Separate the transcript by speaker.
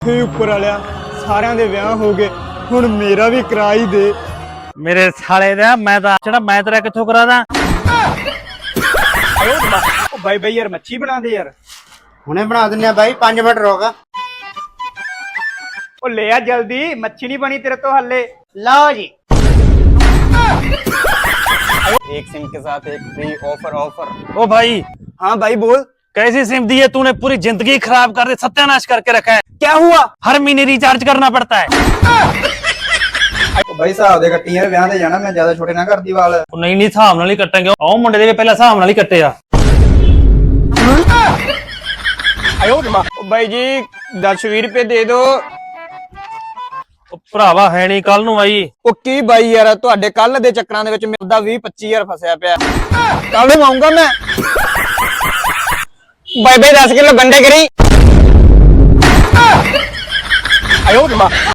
Speaker 1: ਫੇ ਉੱਪਰ ਵਾਲਿਆ ਸਾਰਿਆਂ ਦੇ ਵਿਆਹ ਹੋ ਗਏ, ਹੁਣ ਮੇਰਾ ਵੀ ਕਰਾ ਹੀ ਦੇ।
Speaker 2: ਮੇਰੇ ਸਾਲੇ ਦਾ ਮੈਂ ਤੇਰਾ ਕਿੱਥੋਂ ਕਰਾ ਦਾਂ?
Speaker 1: ਉਹ ਬਾਈ ਯਾਰ ਮੱਛੀ ਬਣਾ ਦੇ ਯਾਰ।
Speaker 3: ਹੁਣੇ ਬਣਾ ਦਿੰਨੇ ਆ ਬਾਈ, 5 ਮਿੰਟ ਰੁਕ।
Speaker 1: ਉਹ ਲੈ ਆ ਜਲਦੀ, ਮੱਛੀ ਨਹੀਂ ਬਣੀ ਤੇਰੇ ਤੋਂ ਹੱਲੇ।
Speaker 3: ਲਓ ਜੀ।
Speaker 1: एक सिम के साथ एक फ्री ऑफर।
Speaker 2: ओ भाई,
Speaker 1: हाँ भाई बोल।
Speaker 2: कैसी सिम दी है तूने? पूरी जिंदगी खराब कर दी, सत्यानाश करके रखा है।
Speaker 1: क्या हुआ?
Speaker 2: हर महीने रिचार्ज करना पड़ता है।
Speaker 1: भाई साहब दे कट्टी यार, ब्याह ते जाना, मैं ज्यादा छोटे ना कर दी वाल।
Speaker 2: नहीं हिसाब नाल ही कट्टेंगे। आओ मुंडे दे पहला हिसाब नाल ही कट्टे आ।
Speaker 1: भाई जी 10-20 रुपए दे दो।
Speaker 2: ਭਰਾਵਾ ਹੈ ਨਹੀਂ ਕੱਲ ਨੂੰ ਆਈ।
Speaker 1: ਉਹ ਕੀ ਬਾਈ ਯਾਰ, ਤੁਹਾਡੇ ਕੱਲ ਦੇ ਚੱਕਰਾਂ ਦੇ ਵਿੱਚ ਮੇਰਾ 20-25 ਫਸਿਆ ਪਿਆ। ਕੱਲ ਨੂੰ ਆਉਂਗਾ ਮੈਂ। ਬਾਈ 10 ਕਿਲੋ ਗੰਡੇ ਕਰੀ।